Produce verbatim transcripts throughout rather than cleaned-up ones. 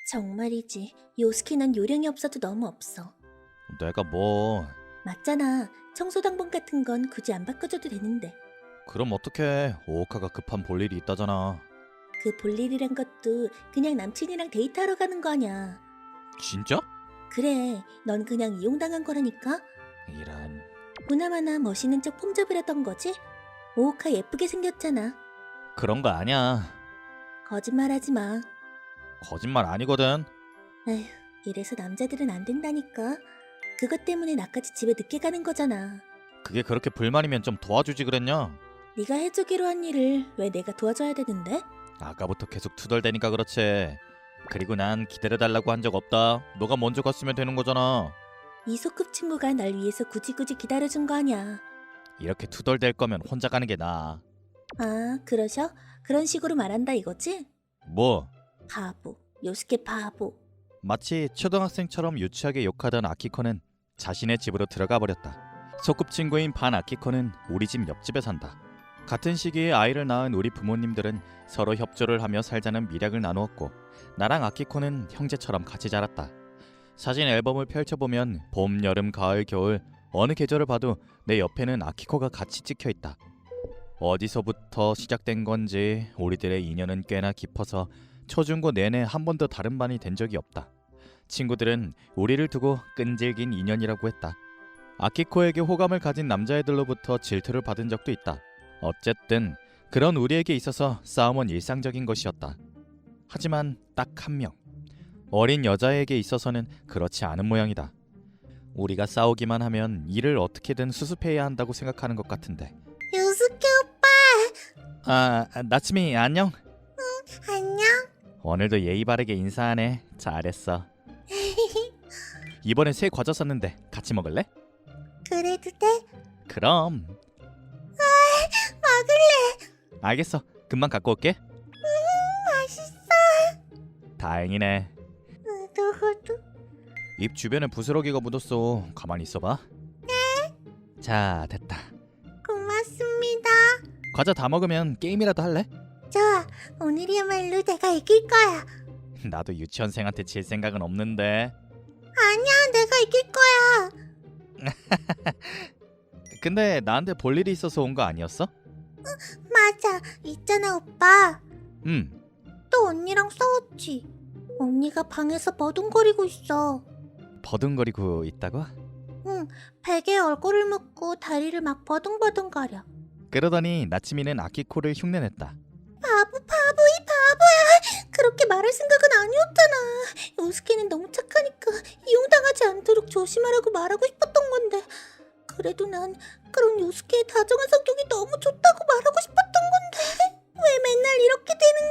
정말이지. 요스키는 요령이 없어도 너무 없어. 내가 뭐... 맞잖아. 청소당번 같은 건 굳이 안 바꿔줘도 되는데. 그럼 어떡해. 오오카가 급한 볼일이 있다잖아. 그 볼일이란 것도 그냥 남친이랑 데이트하러 가는 거 아냐. 진짜? 그래, 넌 그냥 이용당한 거라니까. 이란... 보나마나 멋있는 척 폼잡으려던 거지? 오오카 예쁘게 생겼잖아. 그런 거 아니야. 거짓말하지 마. 거짓말 아니거든. 에휴, 이래서 남자들은 안 된다니까. 그것 때문에 나까지 집에 늦게 가는 거잖아. 그게 그렇게 불만이면 좀 도와주지 그랬냐? 네가 해주기로 한 일을 왜 내가 도와줘야 되는데? 아까부터 계속 투덜대니까 그렇지. 그리고 난 기다려달라고 한 적 없다. 너가 먼저 갔으면 되는 거잖아. 이 소꿉 친구가 날 위해서 굳이 굳이 기다려준 거 아냐. 이렇게 투덜댈 거면 혼자 가는 게 나아. 아, 그러셔? 그런 식으로 말한다 이거지? 뭐? 바보, 요스케 바보. 마치 초등학생처럼 유치하게 욕하던 아키코는 자신의 집으로 들어가 버렸다. 소꿉친구인 반 아키코는 우리 집 옆집에 산다. 같은 시기에 아이를 낳은 우리 부모님들은 서로 협조를 하며 살자는 미략을 나누었고 나랑 아키코는 형제처럼 같이 자랐다. 사진 앨범을 펼쳐보면 봄, 여름, 가을, 겨울 어느 계절을 봐도 내 옆에는 아키코가 같이 찍혀있다. 어디서부터 시작된 건지 우리들의 인연은 꽤나 깊어서 초중고 내내 한 번도 다른 반이 된 적이 없다. 친구들은 우리를 두고 끈질긴 인연이라고 했다. 아키코에게 호감을 가진 남자애들로부터 질투를 받은 적도 있다. 어쨌든 그런 우리에게 있어서 싸움은 일상적인 것이었다. 하지만 딱 한 명, 어린 여자에게 있어서는 그렇지 않은 모양이다. 우리가 싸우기만 하면 일을 어떻게든 수습해야 한다고 생각하는 것 같은데. 요스케 오빠! 아, 나츠미 안녕? 안녕? 오늘도 예의 바르게 인사하네. 잘했어. 이번에 새 과자 샀는데 같이 먹을래? 그래도 돼? 그럼. 먹을래! 알겠어. 금방 갖고 올게. 맛있어! 다행이네. 후두후두. 입 주변에 부스러기가 묻었어. 가만히 있어봐. 네. 자, 됐다. 고맙습니다. 과자 다 먹으면 게임이라도 할래? 좋아, 오늘이야말로 내가 이길 거야. 나도 유치원생한테 질 생각은 없는데. 아니야, 내가 이길 거야. 근데 나한테 볼 일이 있어서 온 거 아니었어? 맞아, 있잖아 오빠. 응. 또 언니랑 싸웠지. 언니가 방에서 버둥거리고 있어. 버둥거리고 있다고? 응, 베개에 얼굴을 묻고 다리를 막 버둥버둥거려. 그러더니 나츠미는 아키코를 흉내냈다. 바보 바보 이 바보야. 그렇게 말할 생각은 아니었잖아. 요스케는 너무 착하니까 이용당하지 않도록 조심하라고 말하고 싶었던 건데, 그래도 난 그런 요스케의 다정한 성격이 너무 좋다고 말하고 싶었던 건데 왜 맨날 이렇게 되는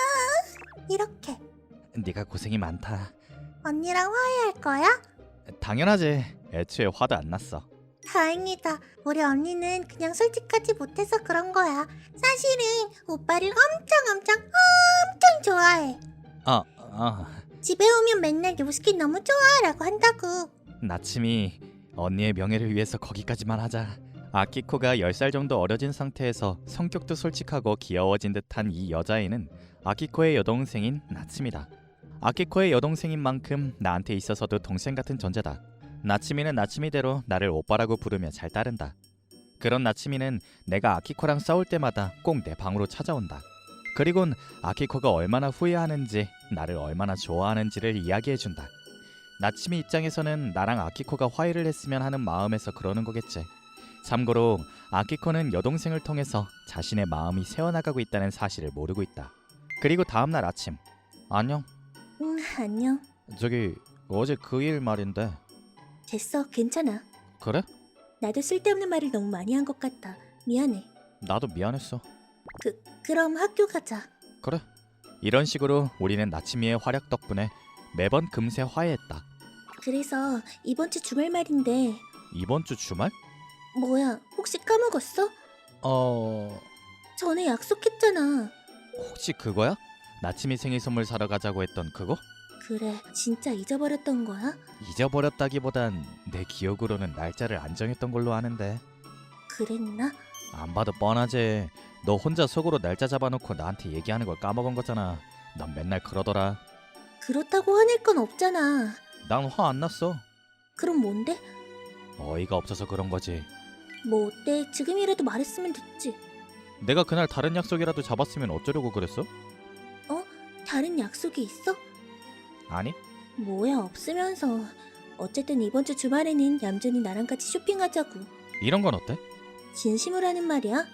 거야. 이렇게 네가 고생이 많다. 언니랑 화해할 거야? 당연하지. 애초에 화도 안 났어. 다행이다. 우리 언니는 그냥 솔직하지 못해서 그런 거야. 사실은 오빠를 엄청 엄청 엄청 좋아해. 아, 아. 집에 오면 맨날 요스케 너무 좋아라고 한다고. 나츠미, 언니의 명예를 위해서 거기까지만 하자. 아키코가 열 살 정도 어려진 상태에서 성격도 솔직하고 귀여워진 듯한 이 여자애는 아키코의 여동생인 나츠미다. 아키코의 여동생인 만큼 나한테 있어서도 동생 같은 존재다. 나츠미는 나츠미대로 나를 오빠라고 부르며 잘 따른다. 그런 나츠미는 내가 아키코랑 싸울 때마다 꼭 내 방으로 찾아온다. 그리곤 아키코가 얼마나 후회하는지, 나를 얼마나 좋아하는지를 이야기해준다. 나츠미 입장에서는 나랑 아키코가 화해를 했으면 하는 마음에서 그러는 거겠지. 참고로 아키코는 여동생을 통해서 자신의 마음이 새어나가고 있다는 사실을 모르고 있다. 그리고 다음날 아침. 안녕. 응, 안녕. 저기 어제 그 일 말인데. 됐어, 괜찮아. 그래? 나도 쓸데없는 말을 너무 많이 한 것 같다. 미안해. 나도 미안했어. 그, 그럼 학교 가자. 그래. 이런 식으로 우리는 나츠미의 활약 덕분에 매번 금세 화해했다. 그래서 이번 주 주말 말인데. 이번 주 주말? 뭐야, 혹시 까먹었어? 어... 전에 약속했잖아. 혹시 그거야? 나츠미 생일 선물 사러 가자고 했던 그거? 그래, 진짜 잊어버렸던 거야? 잊어버렸다기보단 내 기억으로는 날짜를 안 정했던 걸로 아는데. 그랬나? 안 봐도 뻔하지. 너 혼자 속으로 날짜 잡아놓고 나한테 얘기하는 걸 까먹은 거잖아. 넌 맨날 그러더라. 그렇다고 화낼 건 없잖아. 난 화 안 났어. 그럼 뭔데? 어이가 없어서 그런 거지. 뭐 어때? 지금이라도 말했으면 됐지. 내가 그날 다른 약속이라도 잡았으면 어쩌려고 그랬어? 다른 약속이 있어? 아니? 뭐야, 없으면서. 어쨌든 이번 주 주말에는 얌전히 나랑 같이 쇼핑하자고. 이런 건 어때? 진심으로 하는 말이야?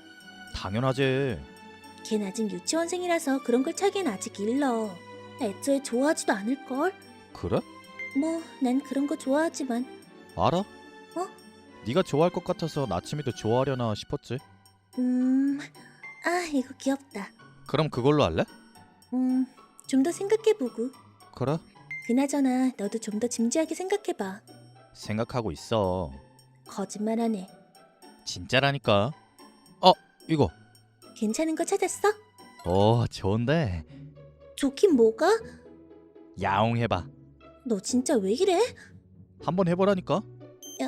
당연하지. 걘 아직 유치원생이라서 그런 걸 차기엔 아직 일러. 애초에 좋아하지도 않을걸? 그래? 뭐, 난 그런 거 좋아하지만. 알아? 어? 네가 좋아할 것 같아서 나침이도 좋아하려나 싶었지. 음... 아, 이거 귀엽다. 그럼 그걸로 할래? 음... 좀 더 생각해보고. 그래. 그나저나 너도 좀 더 진지하게 생각해봐. 생각하고 있어. 거짓말하네. 진짜라니까. 어, 이거. 괜찮은 거 찾았어? 어, 좋은데. 좋긴 뭐가? 야옹 해봐. 너 진짜 왜 이래? 한번 해보라니까. 야,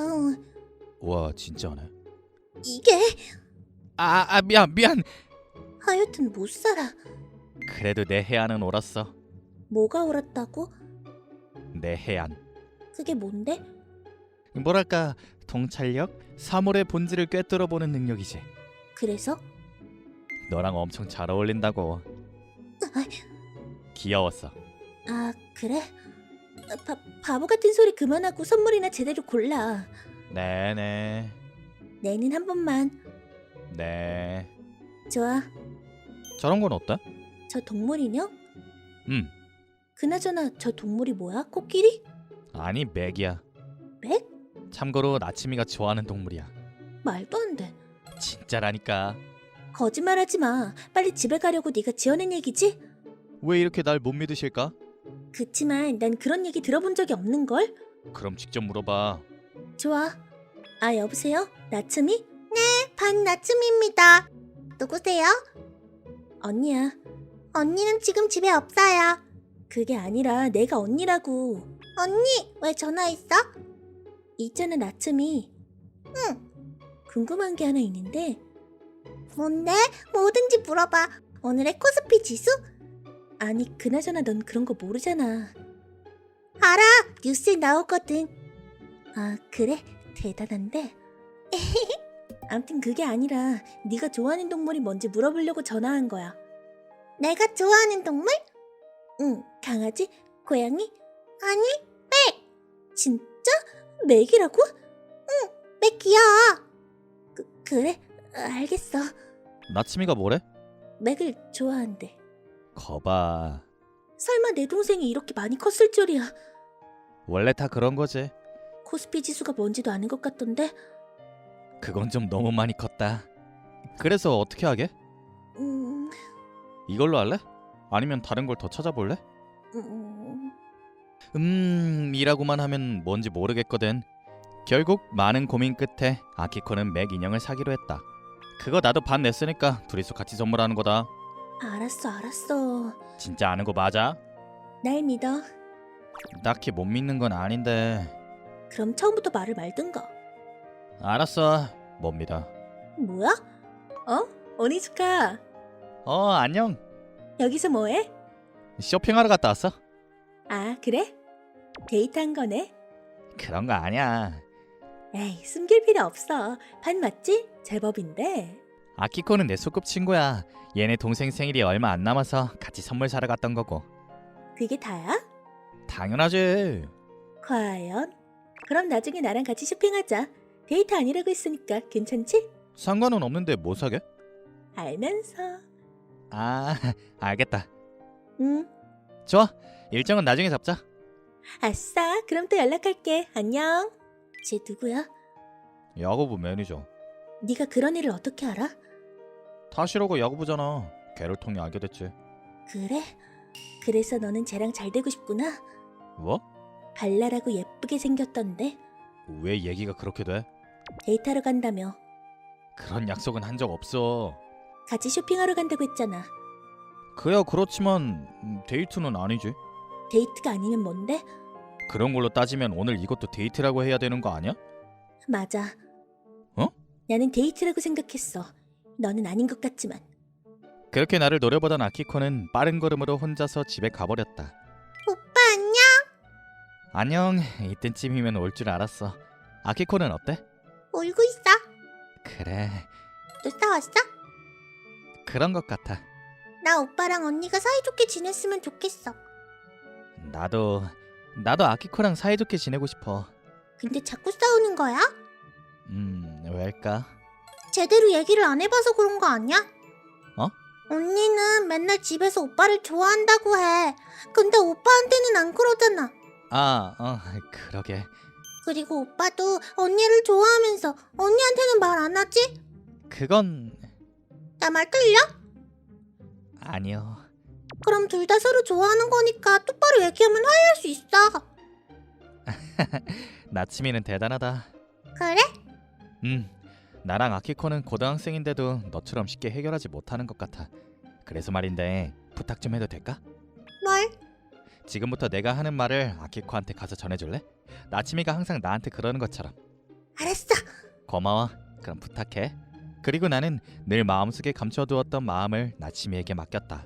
와, 진짜네. 이게 아, 아 미안 미안. 하여튼 못 살아. 그래도 내 해안은 옳았어. 뭐가 옳았다고? 내 해안. 그게 뭔데? 뭐랄까, 통찰력, 사물의 본질을 꿰뚫어보는 능력이지. 그래서? 너랑 엄청 잘 어울린다고. 아, 귀여웠어. 아 그래? 아, 바, 바보 같은 소리 그만하고 선물이나 제대로 골라. 네네. 내는 한 번만. 네. 좋아. 저런 건 어때? 저 동물 인형? 음. 그나저나 저 동물이 뭐야? 코끼리? 아니, 맥이야. 맥? 참고로 나침이가 좋아하는 동물이야. 말도 안 돼. 진짜라니까. 거짓말하지 마. 빨리 집에 가려고 네가 지어낸 얘기지? 왜 이렇게 날 못 믿으실까? 그치만 난 그런 얘기 들어본 적이 없는걸? 그럼 직접 물어봐. 좋아. 아 여보세요? 나츠미? 네, 반나츠미입니다. 누구세요? 언니야. 언니는 지금 집에 없어요. 그게 아니라 내가 언니라고. 언니, 왜 전화했어? 있잖아, 나츠미. 응. 궁금한 게 하나 있는데. 뭔데? 뭐든지 물어봐. 오늘의 코스피 지수? 아니, 그나저나 넌 그런 거 모르잖아. 알아. 뉴스에 나오거든. 아, 그래? 대단한데? 암튼 그게 아니라 네가 좋아하는 동물이 뭔지 물어보려고 전화한 거야. 내가 좋아하는 동물? 응, 강아지? 고양이? 아니, 맥! 진짜? 맥이라고? 응, 맥 귀여워. 그, 그래? 알겠어. 나침이가 뭐래? 맥을 좋아한대. 거봐. 설마 내 동생이 이렇게 많이 컸을 줄이야. 원래 다 그런 거지. 코스피 지수가 뭔지도 아는 것 같던데? 그건 좀 너무 많이 컸다. 그래서 어떻게 하게? 음... 이걸로 할래? 아니면 다른 걸 더 찾아볼래? 음... 음... 이라고만 하면 뭔지 모르겠거든. 결국 많은 고민 끝에 아키코는 맥 인형을 사기로 했다. 그거 나도 반 냈으니까 둘이서 같이 선물하는 거다. 알았어, 알았어. 진짜 아는 거 맞아? 날 믿어. 딱히 못 믿는 건 아닌데. 그럼 처음부터 말을 말든가. 알았어. 못 믿어. 뭐야? 어? 오니즈카. 어, 안녕. 여기서 뭐해? 쇼핑하러 갔다 왔어? 아, 그래? 데이트한 거네? 그런 거 아니야. 에이, 숨길 필요 없어. 반 맞지? 제법인데. 아키코는 내 소꿉친구야. 얘네 동생 생일이 얼마 안 남아서 같이 선물 사러 갔던 거고. 그게 다야? 당연하지. 과연? 그럼 나중에 나랑 같이 쇼핑하자. 데이트 아니라고 했으니까 괜찮지? 상관은 없는데 뭐 사게? 알면서. 아, 알겠다. 응. 좋아. 일정은 나중에 잡자. 아싸, 그럼 또 연락할게. 안녕. 쟤 누구야? 야구부 매니저. 네가 그런 애를 어떻게 알아? 타시로가 야구부잖아. 걔를 통해 알게 됐지. 그래? 그래서 너는 쟤랑 잘 되고 싶구나? 뭐? 발랄하고 예쁘게 생겼던데. 왜 얘기가 그렇게 돼? 데이트하러 간다며. 그런 약속은 한 적 없어. 같이 쇼핑하러 간다고 했잖아. 그야 그렇지만 음, 데이트는 아니지. 데이트가 아니면 뭔데? 그런 걸로 따지면 오늘 이것도 데이트라고 해야 되는 거 아니야? 맞아. 어? 나는 데이트라고 생각했어. 너는 아닌 것 같지만. 그렇게 나를 노려보던 아키코는 빠른 걸음으로 혼자서 집에 가버렸다. 오빠 안녕? 안녕. 이때쯤이면 올 줄 알았어. 아키코는 어때? 울고 있어? 그래, 또 싸웠어? 그런 것 같아. 나 오빠랑 언니가 사이좋게 지냈으면 좋겠어. 나도 나도 아키코랑 사이좋게 지내고 싶어. 근데 자꾸 싸우는 거야? 음, 왜일까? 제대로 얘기를 안 해봐서 그런 거 아니야? 어? 언니는 맨날 집에서 오빠를 좋아한다고 해. 근데 오빠한테는 안 그러잖아. 아, 어, 그러게. 그리고 오빠도 언니를 좋아하면서 언니한테는 말 안 하지? 그건 나 말 틀려? 아니요. 그럼 둘 다 서로 좋아하는 거니까 똑바로 얘기하면 화해할 수 있어. 나츠미는 대단하다. 그래? 음, 나랑 아키코는 고등학생인데도 너처럼 쉽게 해결하지 못하는 것 같아. 그래서 말인데 부탁 좀 해도 될까? 뭘? 지금부터 내가 하는 말을 아키코한테 가서 전해줄래? 나츠미가 항상 나한테 그러는 것처럼. 알았어. 고마워. 그럼 부탁해. 그리고 나는 늘 마음속에 감춰두었던 마음을 나츠미에게 맡겼다.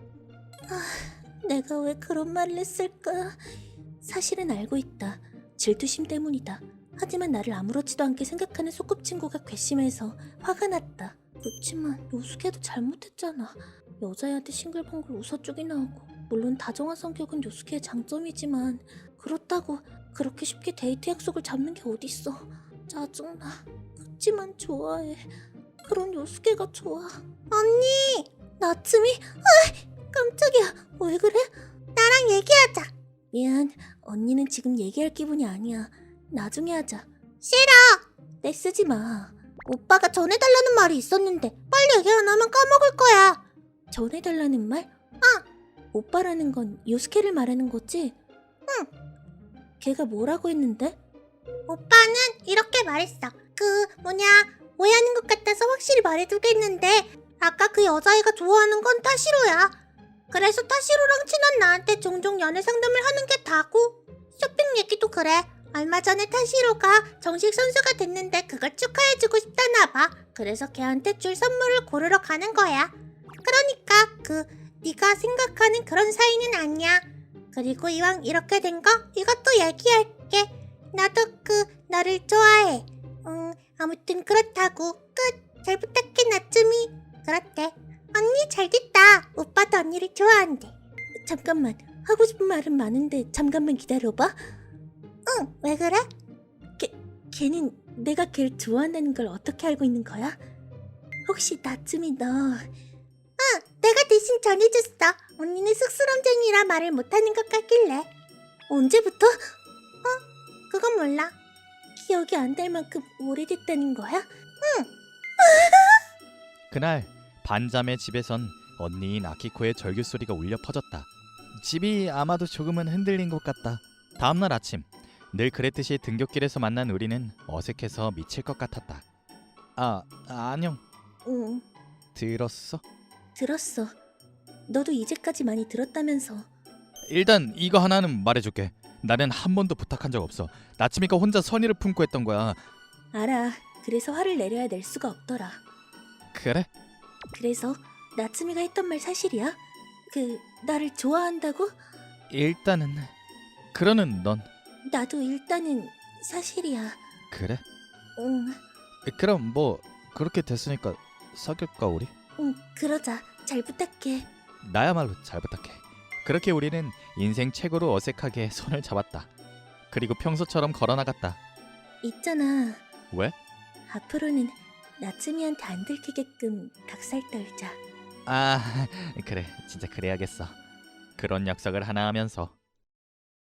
내가 왜 그런 말을 했을까? 사실은 알고 있다. 질투심 때문이다. 하지만 나를 아무렇지도 않게 생각하는 소꿉친구가 괘씸해서 화가 났다. 그렇지만 요수케도 잘못했잖아. 여자애한테 싱글벙글 웃어쪽이 나오고, 물론 다정한 성격은 요수케의 장점이지만 그렇다고 그렇게 쉽게 데이트 약속을 잡는 게 어딨어. 짜증나. 그치만 좋아해. 그런 요수케가 좋아. 언니! 나츠미? 아, 깜짝이야. 왜 그래? 나랑 얘기하자. 미안. 언니는 지금 얘기할 기분이 아니야. 나중에 하자. 싫어. 내 쓰지 마. 오빠가 전해달라는 말이 있었는데 빨리 얘기 안 하면 까먹을 거야. 전해달라는 말? 응. 오빠라는 건 요스케를 말하는 거지? 응. 걔가 뭐라고 했는데? 오빠는 이렇게 말했어. 그 뭐냐 오해하는 것 같아서 확실히 말해두겠는데 아까 그 여자애가 좋아하는 건 타시로야. 그래서 타시로랑 친한 나한테 종종 연애 상담을 하는 게 다고. 쇼핑 얘기도 그래. 얼마 전에 타시로가 정식 선수가 됐는데 그걸 축하해주고 싶다나 봐. 그래서 걔한테 줄 선물을 고르러 가는 거야. 그러니까 그 네가 생각하는 그런 사이는 아니야. 그리고 이왕 이렇게 된 거 이것도 얘기할게. 나도 그 너를 좋아해. 음 아무튼 그렇다고. 끝. 잘 부탁해 나츠미. 그렇대. 언니 잘됐다. 오빠도 언니를 좋아한대. 잠깐만. 하고 싶은 말은 많은데 잠깐만 기다려봐. 응, 왜 그래? 걔, 걔는 내가 걔를 좋아한다는 걸 어떻게 알고 있는 거야? 혹시 나츠미 너... 응, 내가 대신 전해줬어. 언니는 쑥스럼쟁이라 말을 못하는 것 같길래. 언제부터? 어? 그건 몰라. 기억이 안 날 만큼 오래됐다는 거야? 응. 그날 반잠의 집에선 언니인 아키코의 절규 소리가 울려 퍼졌다. 집이 아마도 조금은 흔들린 것 같다. 다음날 아침 늘 그랬듯이 등굣길에서 만난 우리는 어색해서 미칠 것 같았다. 아, 안녕. 응, 들었어? 들었어. 너도 이제까지 많이 들었다면서. 일단 이거 하나는 말해줄게. 나는 한 번도 부탁한 적 없어. 나츠미가 혼자 선의를 품고 했던 거야. 알아. 그래서 화를 내려야 낼 수가 없더라. 그래? 그래서 나츠미가 했던 말 사실이야? 그 나를 좋아한다고? 일단은 그러는 넌 나도 일단은 사실이야. 그래? 응, 그럼 뭐 그렇게 됐으니까 사귈까 우리? 응, 그러자. 잘 부탁해. 나야말로 잘 부탁해. 그렇게 우리는 인생 최고로 어색하게 손을 잡았다. 그리고 평소처럼 걸어나갔다. 있잖아. 왜? 앞으로는 나츠미한테 안 들키게끔 닭살 떨자. 아, 그래. 진짜 그래야겠어. 그런 약속을 하나 하면서